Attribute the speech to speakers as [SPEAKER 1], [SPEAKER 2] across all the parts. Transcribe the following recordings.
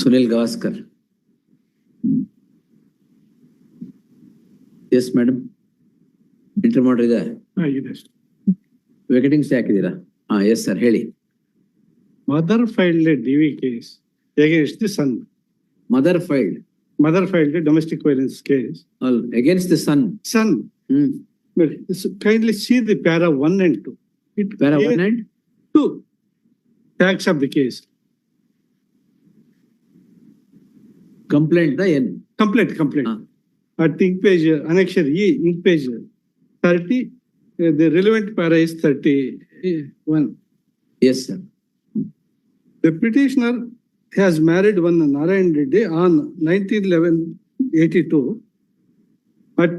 [SPEAKER 1] Sunil Gavaskar. Yes, madam. Enter ಮಾಡ್ರಿ ಇದೆ. Vacating stay ಹಾಕಿದ್ದೀರಾ? Yes sir, ಹೇಳಿ.
[SPEAKER 2] Mother filed a DV case against the son.
[SPEAKER 1] Mother filed
[SPEAKER 2] A domestic violence case.
[SPEAKER 1] Against the son.
[SPEAKER 2] Well, kindly see the para 1 and 2.
[SPEAKER 1] Para 1 and
[SPEAKER 2] 2. Facts of the case.
[SPEAKER 1] Complaint the N.
[SPEAKER 2] Complaint. At ink page, annexure E, ink page 30, the relevant para is 31.
[SPEAKER 1] Yes, sir.
[SPEAKER 2] The petitioner has married one Narayan Reddy on 19/11/82 at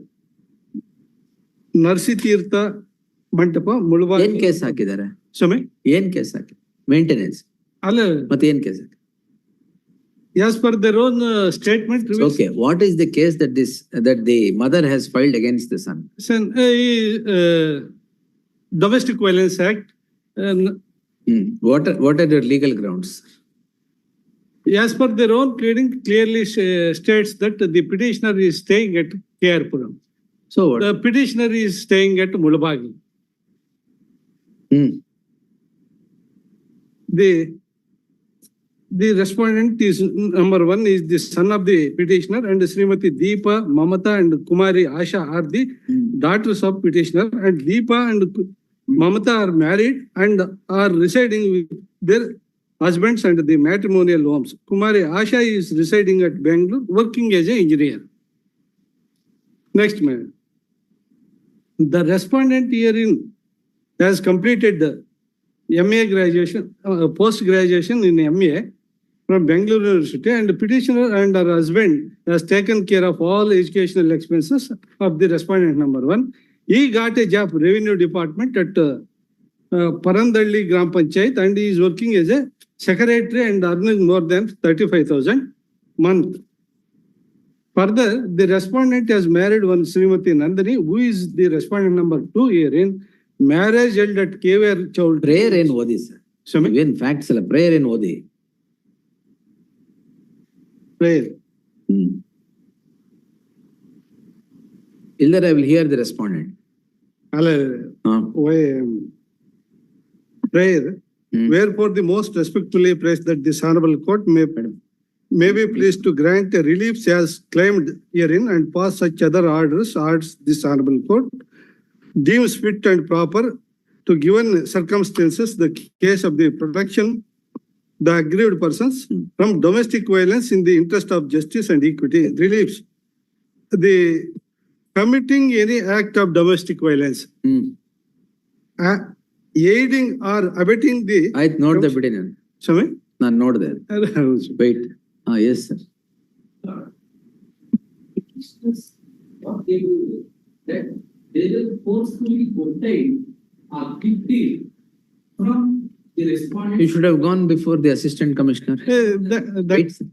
[SPEAKER 2] Narsitirtha Mantapa, Mulva.
[SPEAKER 1] ಏನ್ case ಹಾಕಿದ್ದಾರೆ?
[SPEAKER 2] Sorry?
[SPEAKER 1] ಏನ್ case ಹಾಕಿ? Maintenance.
[SPEAKER 2] ಅಲ್ಲ,
[SPEAKER 1] ಮತ್ತೆ ಏನ್ case?
[SPEAKER 2] as per their own statement.
[SPEAKER 1] Okay, what is the case that the mother has filed against the son?
[SPEAKER 2] Domestic Violence Act.
[SPEAKER 1] What are your legal grounds?
[SPEAKER 2] As per their own pleading, clearly states that the petitioner is staying at Kerpuram.
[SPEAKER 1] So what?
[SPEAKER 2] The petitioner is staying at Mulabagi. The respondent is number 1 is the son of the petitioner, and Srimati Deepa, Mamata and Kumari Asha are the daughters of petitioner, and Deepa and Mamata are married and are residing with their husbands and the matrimonial homes. Kumari Asha is residing at Bangalore, working as an engineer. Next, man. The respondent herein has completed the MA graduation, post-graduation in MA from Bangalore University, and the petitioner and her husband has taken care of all educational expenses of the respondent number 1. He got a job revenue department at Parandalli Gram Panchayat, and he is working as a secretary and earning more than 35,000 month. Further, the respondent has married one Srimati Nandini, who is the respondent number 2 herein. Marriage held at KVR Choudhury.
[SPEAKER 1] Prayer in Odi, sir. Even facts alla prayer in Odi.
[SPEAKER 2] Prayer.
[SPEAKER 1] Either I will hear the respondent.
[SPEAKER 2] Prayer. Wherefore the most respectfully press that this honorable court may be pleased to grant a relief as claimed herein and pass such other orders this honorable court deems fit and proper to given circumstances the case of the protection the aggrieved persons from domestic violence in the interest of justice and equity relieves the committing any act of domestic violence, aiding or abetting the.
[SPEAKER 1] I note the petition.
[SPEAKER 2] Sorry?
[SPEAKER 1] Not note there. Wait. Yes, sir.
[SPEAKER 3] What they do is that they will forcefully obtain a victim from the respondent.
[SPEAKER 1] You should have gone before the assistant commissioner. Wait, sir.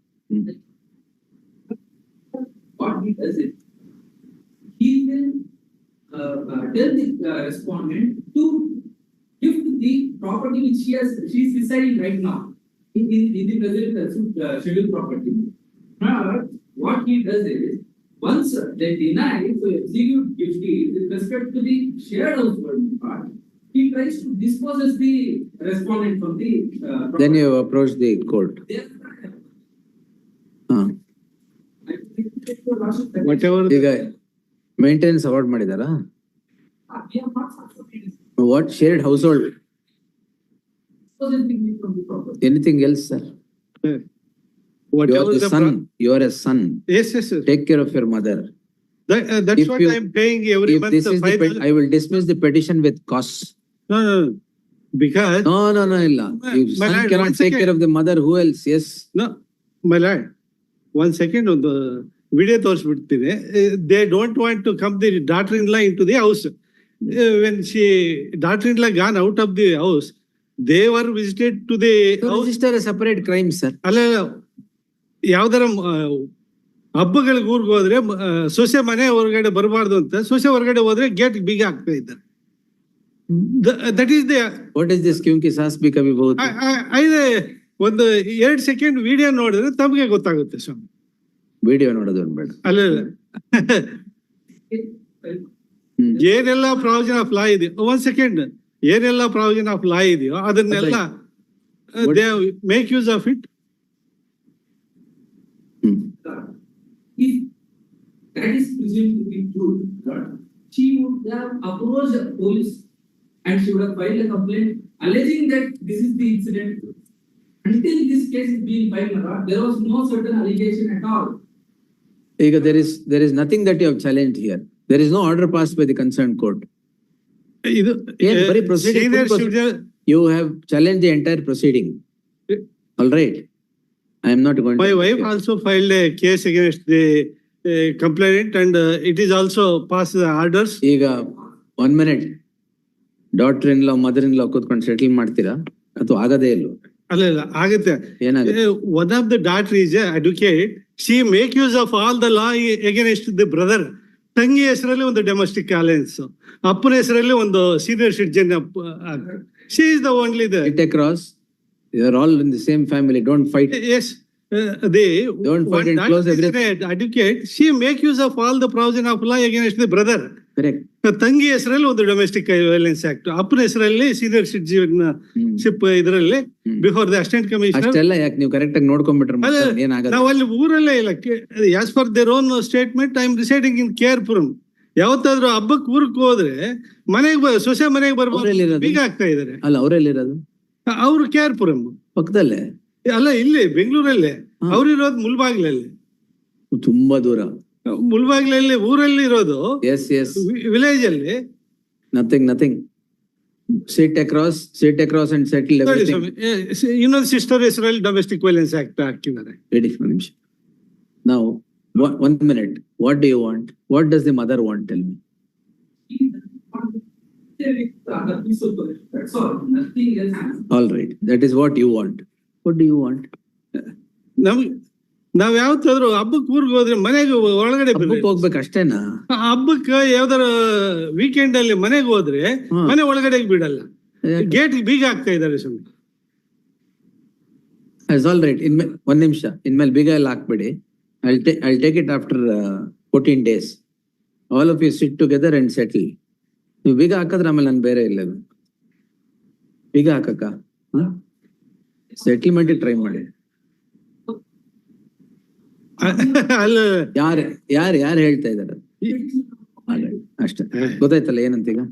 [SPEAKER 3] What he does is, he will tell the respondent to gift the property which she is residing right now in the present scheduled property. What he does is, once they deny to execute gift deed with respect to the shared household part, he tries to dispose the respondent from the property.
[SPEAKER 1] Then you approach the court.
[SPEAKER 2] Whatever.
[SPEAKER 1] ಈಗ maintenance award ಮಾಡಿದಾರಾ? What shared household? Anything else, sir? You are the son. You are a son.
[SPEAKER 2] Yes.
[SPEAKER 1] Take care of your mother.
[SPEAKER 2] That's what I am paying every month.
[SPEAKER 1] This is I will dismiss the petition with costs.
[SPEAKER 2] No. Because.
[SPEAKER 1] No, illa. If son cannot take care of the mother, who else? Yes.
[SPEAKER 2] No, my lord. 1 second on the video ತೋರಿಸ್ಬಿಡ್ತೀನಿ. They don't want to come the daughter-in-law into the house. When daughter-in-law gone out of the house, they were visited to the house.
[SPEAKER 1] Register a separate crime, sir.
[SPEAKER 2] ಅಲ್ಲ, ಯಾವ್ದಾರ ಹಬ್ಬಗಳಿಗೆ ಊರಿಗೆ ಹೋದ್ರೆ ಸೊಸೆ ಮನೆ ಹೊರಗಡೆ ಬರಬಾರ್ದು ಅಂತ, ಸೊಸೆ ಹೊರಗಡೆ ಹೋದ್ರೆ ಗೇಟ್ ಬೀಗ ಹಾಕ್ತಾ ಇದ್ದಾರೆ. That is the.
[SPEAKER 1] What is this? क्योंकि सास भी कभी बहुत.
[SPEAKER 2] ಒಂದು 2 ಸೆಕೆಂಡ್ ವಿಡಿಯೋ ನೋಡಿದ್ರೆ ತಮಗೆ ಗೊತ್ತಾಗುತ್ತೆ ಸ್ವಾಮಿ.
[SPEAKER 1] ವಿಡಿಯೋ ನೋಡೋದು ಬೇಡ.
[SPEAKER 2] ಅಲ್ಲ
[SPEAKER 1] ಹ್ಮ್.
[SPEAKER 2] ಏನೆಲ್ಲ ಪ್ರಾವಿಷನ್ ಆಫ್ ಲಾ ಇದೆಯೋ, 1 ಸೆಕೆಂಡ್, ಏನೆಲ್ಲ ಪ್ರಾವಿಷನ್ ಆಫ್ ಲಾ ಇದೆಯೋ ಅದನ್ನೆಲ್ಲ they make use of it.
[SPEAKER 1] Hmm.
[SPEAKER 3] If that is presumed to be true, Lord, she would have approached the police and she would have filed a complaint alleging that this is the incident. Until this case is being filed, Lord, there was no certain allegation at all.
[SPEAKER 1] ಈಗ there is nothing that you have challenged here. There is no order passed by the concerned court.
[SPEAKER 2] ಇದು
[SPEAKER 1] ಏನ್ ಬರೀ proceeding,
[SPEAKER 2] senior
[SPEAKER 1] full
[SPEAKER 2] citizen-
[SPEAKER 1] You have challenged the entire proceeding. All right. I am not going to.
[SPEAKER 2] My wife also filed a case against the complainant and it is also passed the orders.
[SPEAKER 1] ಈಗ 1 minute. Daughter in law, mother in law ಕೂತ್ಕೊಂಡು settle ಮಾಡ್ತೀರಾ ಅಥವಾ ಆಗದೇ ಇಲ್ವಾ?
[SPEAKER 2] ಅಲ್ಲ ಆಗುತ್ತೆ.
[SPEAKER 1] ಏನಾಗುತ್ತೆ?
[SPEAKER 2] One of the daughter is a advocate. She make use of all the law against the brother. ತಂಗಿ ಹೆಸರಲ್ಲಿ ಒಂದು ಡೊಮೆಸ್ಟಿಕ್ ಅಲಯನ್ಸ್, ಅಪ್ಪನ ಹೆಸರಲ್ಲಿ ಒಂದು senior citizen. She is the only the.
[SPEAKER 1] Sit across. You are all in the same family. Don't fight.
[SPEAKER 2] Yes, they
[SPEAKER 1] Don't fight and close everything.
[SPEAKER 2] advocate. She make use of all the provision of law against the brother.
[SPEAKER 1] Correct.
[SPEAKER 2] ತಂಗಿ ಹೆಸರಲ್ಲಿ ಒಂದು domestic violence act, ಅಪ್ಪನ ಹೆಸರಲ್ಲಿ senior citizenship ಇದರಲ್ಲಿ before the assistant commissioner.
[SPEAKER 1] ಅಷ್ಟೆಲ್ಲ ಯಾಕೆ ನೀವು correct ಆಗಿ ನೋಡ್ಕೊಂಡ್ಬಿಟ್ರೆ ಏನಾಗಲ್ಲ.
[SPEAKER 2] ನಾವು ಅಲ್ಲಿ ಊರಲ್ಲೇ ಇಲ್ಲ. As per their own statement, I am residing in Kerpuram. ಯಾವತ್ತಾದ್ರೂ ಹಬ್ಬಕ್ಕೆ ಊರಿಗೆ ಹೋದ್ರೆ ಮನೆಗೆ ಸೊಸೆ ಮನೆಗೆ ಬರ್ಬೋದು, ಬೀಗ ಆಗ್ತಾ ಇದಾರೆ.
[SPEAKER 1] ಅಲ್ಲ, ಅವರೆಲ್ಲಿರೋದು?
[SPEAKER 2] ಅವ್ರು ಕೇರ್ಪುರಂ
[SPEAKER 1] ಪಕ್ಕದಲ್ಲೇ
[SPEAKER 2] ಅಲ್ಲ, ಇಲ್ಲಿ ಬೆಂಗಳೂರಲ್ಲೇ. ಅವ್ರಿರೋದು ಮುಲ್ಬಾಗ್ಲಲ್ಲಿ,
[SPEAKER 1] ತುಂಬಾ ದೂರ.
[SPEAKER 2] ಮುಲ್ಬಾಗ್ಲಲ್ಲಿ ಊರಲ್ಲಿ ಇರೋದು.
[SPEAKER 1] Yes yes.
[SPEAKER 2] ವಿಲೇಜ್ ಅಲ್ಲಿ
[SPEAKER 1] nothing. Sit across and settle everything.
[SPEAKER 2] ಇನ್ನೊಂದು ಸಿಸ್ಟರ್ ಹೆಸರಲ್ಲಿ ಡೊಮೆಸ್ಟಿಕ್ ವೈಲೆನ್ಸ್ ಆಕ್ಟ್ ಹಾಕಿದ್ದಾರೆ.
[SPEAKER 1] ರೆಡಿ ಫಾರ್ ನಿಮಿಷ. ನಾವು 1 minute. What do you want? What does the mother want? Tell me.
[SPEAKER 3] That's all, nothing else.
[SPEAKER 1] All right. That is what you want. What do you want?
[SPEAKER 2] ನಾವ್ ಯಾವತ್ತಾದ್ರೂ ಹಬ್ಬಕ್ಕೆ ಊರಿಗೆ ಹೋದ್ರೆ ಮನೆಗೆ ಒಳಗಡೆ
[SPEAKER 1] ಹಬ್ಬಕ್ಕೆ ಹೋಗ್ಬೇಕು ಅಷ್ಟೇನಾ?
[SPEAKER 2] ಹಬ್ಬಕ್ಕೆ ಯಾವ್ದಾರ ವೀಕೆಂಡ್ ಅಲ್ಲಿ ಮನೆಗೆ ಹೋದ್ರೆ ಮನೆ ಒಳಗಡೆ ಬಿಡಲ್ಲ, ಗೇಟ್ ಬೀಗ ಆಗ್ತಾ ಇದಾರೆ ಸ್ವಾಮಿ.
[SPEAKER 1] All right. ಒಂದ್ ನಿಮಿಷ, ಇನ್ಮೇಲೆ ಬೀಗ ಎಲ್ಲ ಹಾಕ್ಬೇಡಿ. I'll take it after 14 days. All of you sit together and settle. ನೀವು ಬೀಗ ಹಾಕಿದ್ರೆ ಆಮೇಲೆ ನಾನು ಬೇರೆ ಇಲ್ಲ. ಬೀಗ ಹಾಕಕ್ಕ ಸೆಟಲ್ಮೆಂಟ್ ಟ್ರೈ ಮಾಡಿ.
[SPEAKER 2] ಅಲ್ಲ,
[SPEAKER 1] ಯಾರು ಹೇಳ್ತಾ ಇದಾರೆ ಅಷ್ಟೇ. ಗೊತ್ತಾಯ್ತಲ್ಲ ಏನಂತ ಈಗ?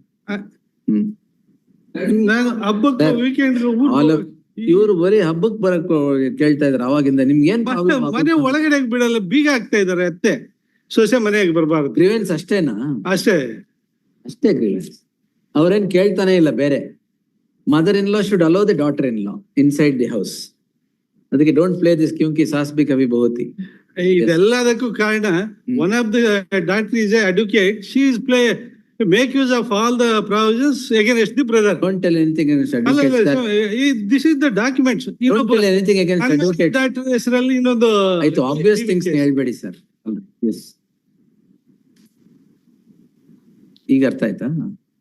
[SPEAKER 2] ನಾನು ಹಬ್ಬಕ್ಕೆ ವೀಕೆಂಡ್
[SPEAKER 1] ಇವ್ರು ಬರೀ ಹಬ್ಬಕ್ ಬರಕ್ ಕೇಳ್ತಾ ಇದಾರೆ ಅವಾಗಿಂದ. ನಿಮ್ಗೆ ಏನ್
[SPEAKER 2] ಮನೆ ಒಳಗಡೆ ಬಿಡಲ್ಲ, ಬೀಗ ಆಗ್ತಾ ಇದಾರೆ. ಅತ್ತೆ ಸೊಸೆ ಮನೆಗೆ ಬರಬಾರ್ದು.
[SPEAKER 1] ಗ್ರೀವೆನ್ಸ್ ಅಷ್ಟೇನಾ?
[SPEAKER 2] ಅಷ್ಟೇ
[SPEAKER 1] ಗ್ರೀವೆನ್ಸ್. ಅವ್ರೇನ್ ಕೇಳ್ತಾನೆ ಇಲ್ಲ ಬೇರೆ. Mother in law should allow the daughter in law inside the house. ಅದಕ್ಕೆ ಡೋಂಟ್ ಪ್ಲೇ ದಿಸ್ ಕ್ಯೂಂಕಿ ಸಾಸ್ ಬಿ ಕವಿ ಬಹುತಿ.
[SPEAKER 2] ಇದೆಲ್ಲದಕ್ಕೂ ಕಾರಣ one of the doctor is a advocate. She is play make use of all the provisions against the brother.
[SPEAKER 1] Don't tell anything against advocates.
[SPEAKER 2] This is the documents.
[SPEAKER 1] Don't tell anything against advocates.
[SPEAKER 2] That ಹೆಸರಲ್ಲಿ ಇನ್ನೊಂದು
[SPEAKER 1] ಆಯ್ತು, obvious things ಹೇಳ್ಬೇಡಿ sir. Yes. ಈಗ ಅರ್ಥ ಆಯ್ತಾ?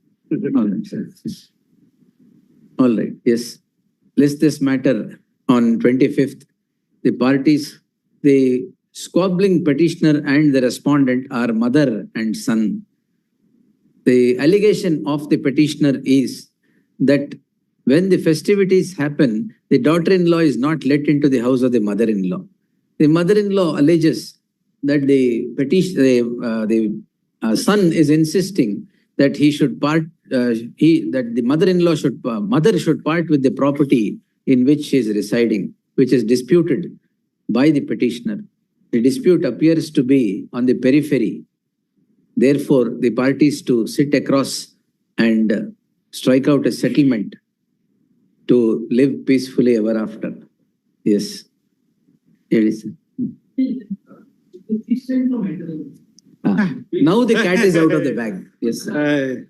[SPEAKER 1] All right. Yes. List this matter on 25th. The parties, the squabbling petitioner and the respondent are mother and son. The allegation of the petitioner is that when the festivities happen, the daughter-in-law is not let into the house of the mother-in-law. The mother-in-law alleges that the son is insisting that he should part. That the mother-in-law mother should part with the property in which she is residing, which is disputed by the petitioner. The dispute appears to be on the periphery. Therefore, the parties to sit across and strike out a settlement to live peacefully ever after. Yes. Yes. Now the cat is out of the bag. Yes, sir.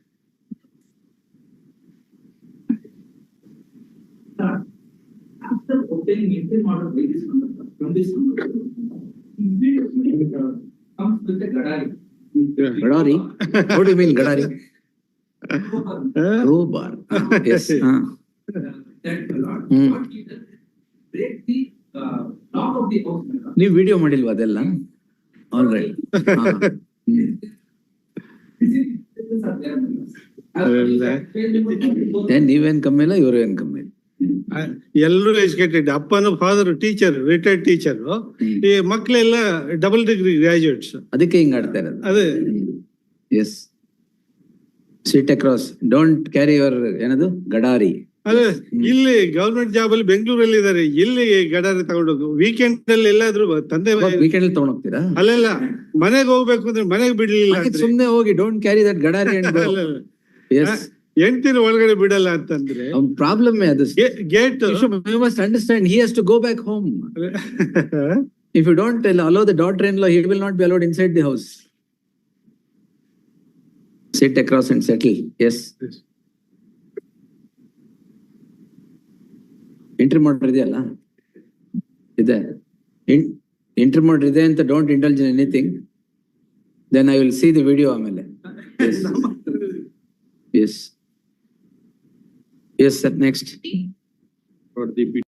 [SPEAKER 3] After obtaining interim order by this number, from this number, comes with the gadari.
[SPEAKER 1] Gadari? What do you mean gadari? Crowbar. Yes.
[SPEAKER 3] That Lord, what he does, break the lock of the house. madam.
[SPEAKER 1] ನೀವು video ಮಾಡಿಲ್ವಾ ಅದೆಲ್ಲ? All right.
[SPEAKER 3] This are there, madam.
[SPEAKER 1] ನೀವೇನ್ ಕಮ್ಮಿ ಇಲ್ಲ, ಇವರು ಏನ್ ಕಮ್ಮಿ ಇಲ್ಲ.
[SPEAKER 2] ಎಲ್ಲರೂ ಎಜುಕೇಟೆಡ್. ಅಪ್ಪನ ಫಾದರ್ ಟೀಚರ್, ರಿಟೈರ್ಡ್ ಟೀಚರ್. ಈ ಮಕ್ಕಳೆಲ್ಲ ಡಬಲ್ ಡಿಗ್ರಿ ಗ್ರಾಜುಯೇಟ್ಸ್.
[SPEAKER 1] ಅದಕ್ಕೆ ಹಿಂಗ್ ಆಡ್ತಾ ಇರೋದು.
[SPEAKER 2] ಅದೇ
[SPEAKER 1] yes, sit across, don't carry your ಏನದು ಗಡಾರಿ.
[SPEAKER 2] ಅದೇ ಇಲ್ಲಿ ಗವರ್ಮೆಂಟ್ ಜಾಬ್ ಅಲ್ಲಿ ಬೆಂಗಳೂರಲ್ಲಿ ಇದಾರೆ, ಇಲ್ಲಿ ಗಡಾರಿ ತಗೊಂಡೋಗು. ವೀಕೆಂಡ್ ಅಲ್ಲಿ ಎಲ್ಲಾದ್ರೂ ತಂದೆ
[SPEAKER 1] ವೀಕೆಂಡ್ ಅಲ್ಲಿ ತಗೊಂಡ್ ಹೋಗ್ತೀರಾ?
[SPEAKER 2] ಅಲ್ಲೆಲ್ಲ ಮನೆಗೆ ಹೋಗ್ಬೇಕು ಅಂದ್ರೆ ಮನೆಗೆ ಬಿಡ್ಲಿಲ್ಲ ಅಂದ್ರೆ.
[SPEAKER 1] ಸುಮ್ನೆ ಹೋಗಿ ಡೋಂಟ್ ಕ್ಯಾರಿ ದಟ್ ಗಡಾರಿ. ಎಸ್,
[SPEAKER 2] ಹೆಂಡ್ತಿನ ಒಳಗಡೆ ಬಿಡಲ್ಲ ಅಂತಂದ್ರೆ
[SPEAKER 1] ಪ್ರಾಬ್ಲಮ್ ಅದು.
[SPEAKER 2] Gate
[SPEAKER 1] You must understand, he has to go back home. If you don't allow the daughter-in-law, he will not be allowed inside the house. Sit across and settle. Yes. Entry mode ಇದೆಯಲ್ಲ, ಇದೆ. Entry mode ಇದೆ ಅಂತ don't indulge in anything. Then I will see the video ಆಮೇಲೆ. Yes. Yes. Yes, sir. Next.